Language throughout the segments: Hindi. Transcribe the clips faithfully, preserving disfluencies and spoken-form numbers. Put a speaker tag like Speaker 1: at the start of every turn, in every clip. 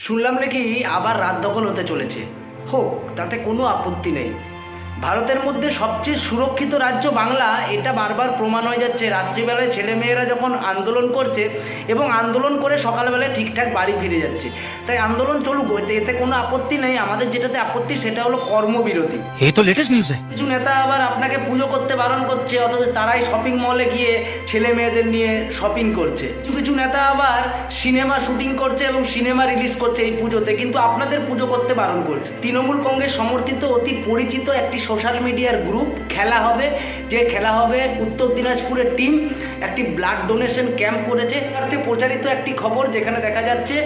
Speaker 1: শুনলাম নাকি আবার রাত দখল হতে চলেছে। হোক, তাতে কোনো আপত্তি নেই। ভারতের মধ্যে সবচেয়ে সুরক্ষিত রাজ্য বাংলা, এটা বারবার প্রমাণ হয়ে যাচ্ছে। রাত্রিবেলায় ছেলেমেয়েরা যখন আন্দোলন করছে এবং আন্দোলন করে সকালবেলায় ঠিকঠাক বাড়ি ফিরে যাচ্ছে, তাই আন্দোলন চলুক, এতে কোনো আপত্তি নেই। আমাদের যেটাতে আপত্তি সেটা হলো কর্মবিরতি।
Speaker 2: ये तो लेटेस्ट न्यूज़ है।
Speaker 1: কিছু নেতা আবার আপনাকে পুজো করতে বারণ করছে, অথচ তারাই শপিং মলে গিয়ে ছেলে মেয়েদের নিয়ে শপিং করছে। কিছু কিছু নেতা আবার সিনেমা শুটিং করছে এবং সিনেমা রিলিজ করছে এই পুজোতে, কিন্তু আপনাদের পুজো করতে বারণ করছে। তৃণমূল কংগ্রেস সমর্থিত অতি পরিচিত একটি সোশ্যাল মিডিয়ার গ্রুপ খেলা হবে, যে খেলা হবে উত্তর দিনাজপুরের টিম একটি ব্লাড ডোনেশন ক্যাম্প করেছে। তাতে প্রচারিত একটি খবর যেখানে দেখা যাচ্ছে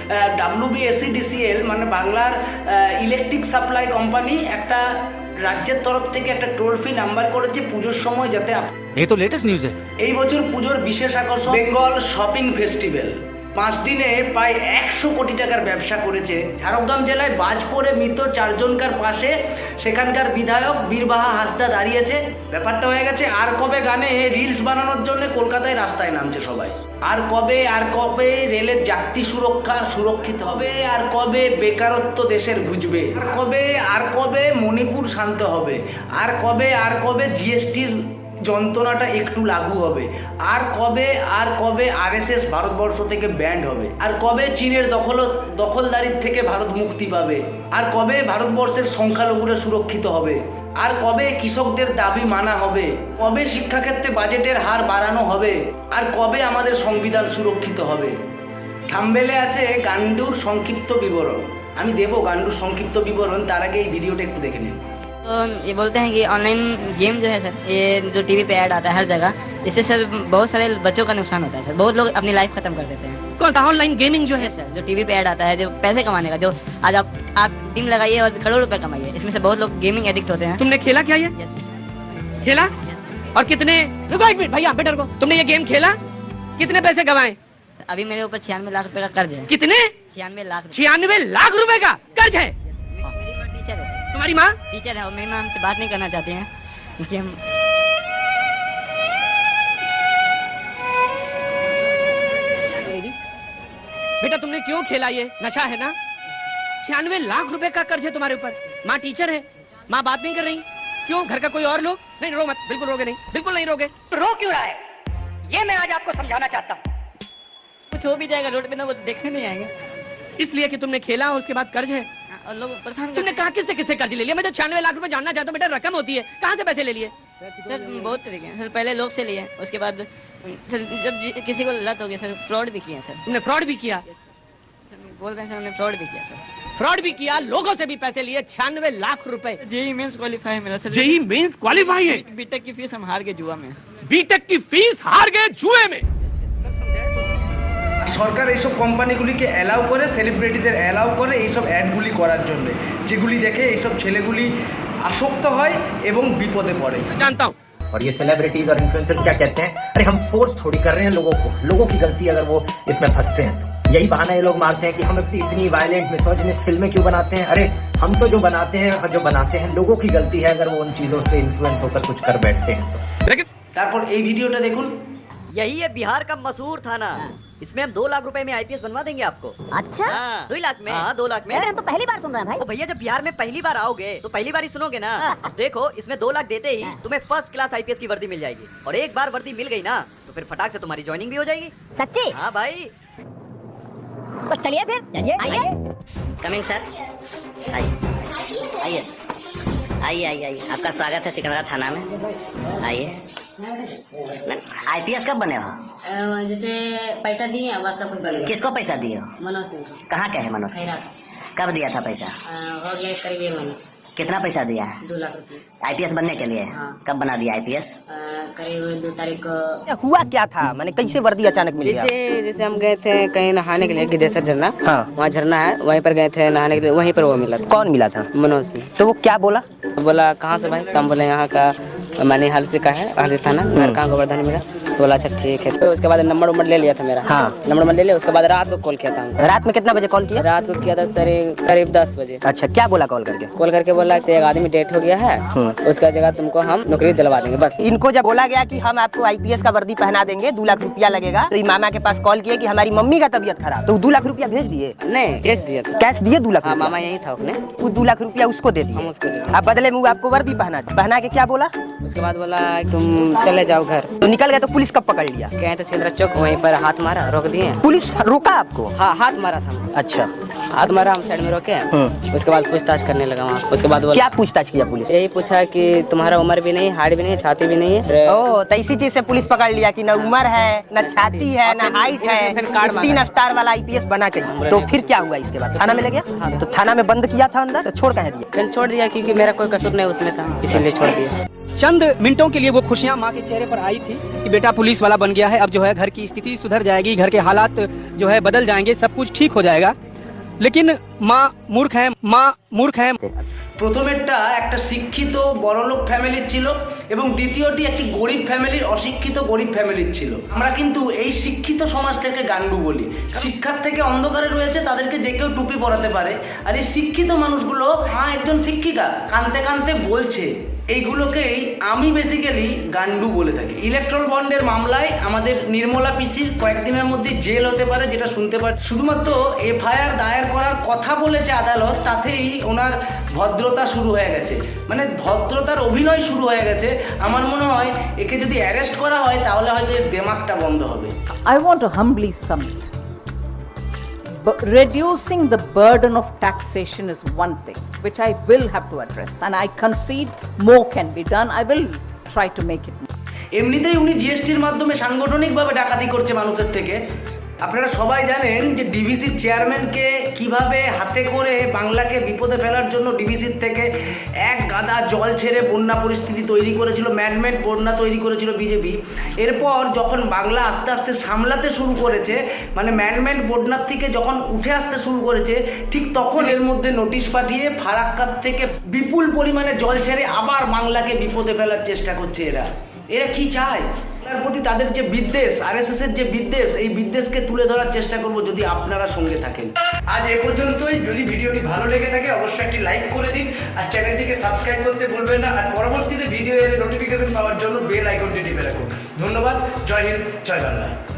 Speaker 1: ডাব্লিউবিএসসিডিসিএল মানে বাংলার ইলেকট্রিক সাপ্লাই কোম্পানি একটা রাজ্যের তরফ থেকে একটা টোল ফ্রি নাম্বার করেছে পুজোর সময়, যাতে
Speaker 2: ये तो लेटेस्ट न्यूज़ है।
Speaker 1: এই বছর পুজোর বিশেষ আকর্ষণ বেঙ্গল শপিং ফেস্টিভ্যাল। পাঁচ দিনে প্রায় একশো কোটি টাকার ব্যবসা করেছে। ঝাড়গ্রাম জেলায় বাজপুরে মৃত চারজনকার পাশে সেখানকার বিধায়ক বীরবাহা হাঁসদা দাঁড়িয়েছে। ব্যাপারটা হয়ে গেছে আর কবে গানে রিলস বানানোর জন্য কলকাতায় রাস্তায় নামছে সবাই। আর কবে আর কবে রেলের যাত্রী সুরক্ষা সুরক্ষিত হবে, আর কবে বেকারত্ব দেশের ঘুচবে, আর কবে আর কবে মণিপুর শান্ত হবে, আর কবে আর কবে জিএসটির যন্ত্রণাটা একটু লাগু হবে, আর কবে আর কবে আরএসএস ভারতবর্ষ থেকে ব্যান্ড হবে, আর কবে চীনের দখল দখলদারির থেকে ভারত মুক্তি পাবে, আর কবে ভারতবর্ষের সংখ্যালঘুরা সুরক্ষিত হবে, আর কবে কৃষকদের দাবি মানা হবে, কবে শিক্ষাক্ষেত্রে বাজেটের হার বাড়ানো হবে, আর কবে আমাদের সংবিধান সুরক্ষিত হবে। থাম্বনেলে আছে গান্ডুর সংক্ষিপ্ত বিবরণ। আমি দেবো গান্ডুর সংক্ষিপ্ত বিবরণ, তার আগে এই ভিডিওটা একটু দেখে নিন।
Speaker 3: तो ये बोलते हैं कि ऑनलाइन गेम जो है सर, ये जो टीवी पे ऐड आता है हर जगह, इससे सर बहुत सारे बच्चों का नुकसान होता है सर। बहुत लोग अपनी लाइफ खत्म कर देते हैं।
Speaker 4: कौन सा ऑनलाइन गेमिंग जो है
Speaker 3: सर जो टीवी पे ऐड आता है, जो पैसे कमाने का, जो आज आप आप टीम लगाइए और करोड़ रुपए कमाइए, इसमें से बहुत लोग गेमिंग एडिक्ट होते हैं।
Speaker 4: तुमने खेला क्या ये
Speaker 3: Yes,
Speaker 4: खेला
Speaker 3: yes,
Speaker 4: और कितने, रुको एक मिनट भैया बेटर को, तुमने ये गेम खेला, कितने पैसे कमाए?
Speaker 3: sir। अभी मेरे ऊपर छियानवे लाख रुपए का कर्ज है।
Speaker 4: कितने?
Speaker 3: छियानवे लाख रुपए।
Speaker 4: छियानवे लाख रुपए का कर्ज है।
Speaker 3: मेरी माँ टीचर है सर।
Speaker 4: तुम्हारी माँ
Speaker 3: टीचर है और मेरी माँ हमसे बात नहीं करना चाहती हैं क्योंकि हम
Speaker 4: बेटा तुमने क्यों खेला? ये नशा है ना। छियानवे लाख रुपए का कर्ज है तुम्हारे ऊपर। माँ टीचर है, माँ बात नहीं कर रही, क्यों? घर का कोई और लोग? नहीं रो मत, बिल्कुल रोगे नहीं, बिल्कुल नहीं रोगे।
Speaker 5: रो क्यों रहा है, ये मैं आज आपको समझाना चाहता हूँ।
Speaker 3: कुछ हो भी जाएगा रोड पे ना, वो देखने नहीं आएंगे।
Speaker 4: इसलिए कि तुमने खेला और उसके बाद कर्ज है।
Speaker 3: और लोग परेशान
Speaker 4: तुमने कहा किससे किससे कर्ज ले लिया? मैं तो छियानवे लाख रुपए जानना चाहता हूँ बेटा, रकम होती है, कहाँ से पैसे ले लिए?
Speaker 3: सर बहुत तरीके हैं सर। पहले लोग से लिए, उसके बाद सर जब जि- किसी को लत हो गया सर, फ्रॉड भी किया सर।
Speaker 4: तुमने फ्रॉड भी किया?
Speaker 3: सर बोल रहे हैं सर, हमने फ्रॉड भी किया सर।
Speaker 4: फ्रॉड भी किया, लोगों से भी पैसे लिए, छियानवे लाख रुपए।
Speaker 3: जेई मेंस क्वालिफाई मिला सर।
Speaker 4: जेई मेंस क्वालिफाई है,
Speaker 3: बीटेक की फीस हम हार गए जुआ में।
Speaker 4: बीटेक की फीस हार गए जुए में।
Speaker 1: সরকার এইসব কোম্পানিগুলিকে অ্যালাউ করে, সেলিব্রিটিদের অ্যালাউ করে এইসব অ্যাডগুলি করার জন্য, যেগুলি দেখে এইসব ছেলেগুলি আসক্ত হয় এবং বিপদে পড়ে।
Speaker 4: जानता हूँ
Speaker 6: और ये सेलिब्रिटीज और इन्फ्लुएंसर्स क्या कहते हैं, अरे हम फोर्स थोड़ी कर रहे हैं लोगों को, लोगों की गलती अगर वो इसमें फंसते हैं तो यही बहाना ये लोग मारते हैं कि हम अपनी इतनी वायलेंट मिसोजिनिस्ट फिल्में क्यों बनाते हैं। अरे हम तो जो बनाते हैं जो बनाते हैं लोगों की गलती है अगर वो उन चीजों से इन्फ्लुएंस होकर कुछ कर बैठते हैं तो।
Speaker 4: लेकिन
Speaker 1: তারপর এই ভিডিওটা দেখুন।
Speaker 5: यही है बिहार का मशहूर थाना, इसमें हम दो लाख रुपए में आईपीएस बनवा देंगे आपको।
Speaker 7: अच्छा
Speaker 5: हाँ, दो लाख में। हाँ दो लाख में।
Speaker 7: अरे हम तो पहली बार सुन रहे हैं भाई।
Speaker 5: ओ भैया जब बिहार में पहली बार आओगे तो पहली बार ही सुनोगे ना। देखो इसमें दो लाख देते ही तुम्हें फर्स्ट क्लास आईपीएस की वर्दी मिल जाएगी, और एक बार वर्दी मिल गई ना तो फिर फटाक से तुम्हारी ज्वाइनिंग भी हो जाएगी।
Speaker 7: सच्ची?
Speaker 5: हाँ भाई।
Speaker 7: तो चलिए फिर, चलिए आइए।
Speaker 3: कमिंग सर, आइए आइए आइए आइए आइए आपका स्वागत है सिकंदरा थाना में। आइए। आईपीएस कब बने हो?
Speaker 8: जैसे पैसा दिए बस सब कुछ बन गया।
Speaker 3: किसको पैसा दिए हो?
Speaker 8: मनोज सिंह
Speaker 3: कहाँ के है मनोज?
Speaker 8: खैरात।
Speaker 3: कब दिया था पैसा?
Speaker 8: अ, हो गया करीब एक महीना।
Speaker 3: कितना पैसा दिया है?
Speaker 8: दो लाख रुपये।
Speaker 3: आईपीएस बनने के लिए?
Speaker 8: हाँ।
Speaker 3: कब बना दिया आईपीएस?
Speaker 8: अ, करीब दो तारीख को।
Speaker 7: हुआ क्या था, मैंने कैसे वर्दी अचानक मिल गया?
Speaker 9: जैसे जैसे हम गए थे कहीं नहाने के लिए गिद्धेसर झरना,
Speaker 7: हाँ।
Speaker 9: वहाँ झरना है, वहीं पर गए थे नहाने के लिए, वहीं पर वो मिला था।
Speaker 7: कौन मिला था?
Speaker 9: मनोज सिंह।
Speaker 7: तो वो क्या बोला?
Speaker 9: बोला कहाँ से भाई? तो हम बोले यहाँ का मनीहाल से का है, हाल थाना। घर कहाँ गोवर्धन मेरा। तो बोला अच्छा ठीक है। तो उसके बाद नंबर नंबर ले लिया था मेरा।
Speaker 7: हाँ।
Speaker 9: नंबर नंबर ले लिया। उसके बाद रात को कॉल किया था हमको।
Speaker 7: रात में कितना बजे कॉल किया?
Speaker 9: रात को किया था करीब करीब दस बजे।
Speaker 7: अच्छा, क्या बोला कॉल करके?
Speaker 9: कॉल करके बोला कि एक आदमी डेट हो गया है, उसका जगह तुमको हम नौकरी दिलवा देंगे बस।
Speaker 7: इनको जब बोला गया कि हम आपको आईपीएस का वर्दी पहना देंगे, दो लाख रुपया लगेगा, तो मामा के पास कॉल किए कि हमारी मम्मी का तबीयत खराब, तो दो लाख रुपया भेज दिए?
Speaker 9: नहीं, कैश दिया था।
Speaker 7: कैश दिए दो लाख?
Speaker 9: हाँ, मामा यही था उसने।
Speaker 7: वो दो लाख रुपया उसको दे दिए?
Speaker 9: हम उसको दे दिए।
Speaker 7: अब बदले में वो आपको वर्दी पहना पहना के क्या बोला?
Speaker 9: उसके बाद बोला तुम चले जाओ घर।
Speaker 7: तो निकल गए, तो पुलिस कब पकड़ लिया?
Speaker 9: गए थे सिंदरा चौक, वहीं पर हाथ मारा, रोक दिए।
Speaker 7: पुलिस रोका आपको?
Speaker 9: हाँ, हाथ मारा था हमको।
Speaker 7: अच्छा,
Speaker 9: हाथ मारा, हम साइड में रोके। उसके बाद पूछताछ करने लगा वहाँ। उसके बाद बोला
Speaker 7: क्या पूछताछ किया पुलिस?
Speaker 9: यही पूछा कि तुम्हारा उम्र भी नहीं, हाइट भी नहीं, छाती भी नहीं है।
Speaker 7: ओ, तो इसी चीज से पुलिस पकड़ लिया कि न उम्र है, न छाती है, न हाइट है, तीन स्टार वाला आईपीएस बना के। तो फिर क्या हुआ इसके बाद? थाना में ले गया? तो थाना में बंद किया था अंदर, तो छोड़ कह दिया?
Speaker 9: फिर छोड़ दिया क्योंकि मेरा कोई कसूर नहीं उसमें था, इसीलिए छोड़ दिया।
Speaker 10: चंद मिनटों के लिए वो खुशियां माँ के चेहरे पर आई थी कि बेटा पुलिस वाला बन गया है। अब जो है घर की स्थिति सुधर जाएगी, घर के हालात जो है बदल जाएंगे, सब कुछ ठीक हो जाएगा। लेकिन माँ मूर्ख है, माँ मूर्ख है।
Speaker 1: প্রথমেরটা একটা শিক্ষিত বড়লোক ফ্যামিলির ছিল এবং দ্বিতীয়টি একটি গরিব ফ্যামিলির, অশিক্ষিত গরিব ফ্যামিলির ছিল। আমরা কিন্তু এই শিক্ষিত সমাজ থেকে গান্ডু বলি। শিক্ষার থেকে অন্ধকারে রয়েছে, তাদেরকে যে কেউ টুপি পরাতে পারে। আর এই শিক্ষিত মানুষগুলো, হ্যাঁ একজন শিক্ষিকা কানতে কানতে বলছে, এইগুলোকেই আমি বেসিক্যালি গান্ডু বলে থাকি। ইলেকট্রল বন্ডের মামলায় আমাদের নির্মলা পিসির কয়েকদিনের মধ্যে জেল হতে পারে, যেটা শুনতে পারে। শুধুমাত্র এফআইআর দায়ের করার কথা বলেছে আদালত, তাতেই ওনার ভদ্রতা শুরু হয়ে গেছে, মানে ভদ্রতার অভিনয় শুরু হয়ে গেছে। আমার মনে হয় একে যদি অ্যারেস্ট করা হয় তাহলে হয়তো এর দেমাগটা বন্ধ হবে।
Speaker 11: I want to humbly submit. But reducing the burden of taxation is one thing which I will have to address, and I concede more can be done. I will try to make it.
Speaker 1: এমনিতেই উনি জিএসটির মাধ্যমে সাংগঠনিকভাবে ডাকাতি করছে মানুষের থেকে। আপনারা সবাই জানেন যে ডিভিসির চেয়ারম্যানকে কিভাবে হাতে করে বাংলাকে বিপদে ফেলার জন্য ডিভিসির থেকে এক গাদা জল ছেড়ে বন্যা পরিস্থিতি তৈরি করেছিল, ম্যানমেড বন্যা তৈরি করেছিল বিজেপি। এরপর যখন বাংলা আস্তে আস্তে সামলাতে শুরু করেছে, মানে ম্যানমেড বন্যার থেকে যখন উঠে আসতে শুরু করেছে, ঠিক তখন এর মধ্যে নোটিশ পাঠিয়ে ফারাক্কার থেকে বিপুল পরিমাণে জল ছেড়ে আবার বাংলাকে বিপদে ফেলার চেষ্টা করছে এরা। এরা কি চায়? তার প্রতি তাদের যে বিদ্বেষ, আরএসএস এর যে বিদ্বেষ, এই বিদ্বেষকে তুলে ধরার চেষ্টা করব যদি আপনারা সঙ্গে থাকেন। আজ এ পর্যন্তই। যদি ভিডিওটি ভালো লেগে থাকে অবশ্যই একটি লাইক করে দিন, আর চ্যানেলটিকে সাবস্ক্রাইব করতে ভুলবেন না। আর পরবর্তীতে ভিডিও এর নোটিফিকেশন পাওয়ার জন্য বেল আইকনটি টিপে রাখুন। ধন্যবাদ। জয় হিন্দ, জয় বাংলা।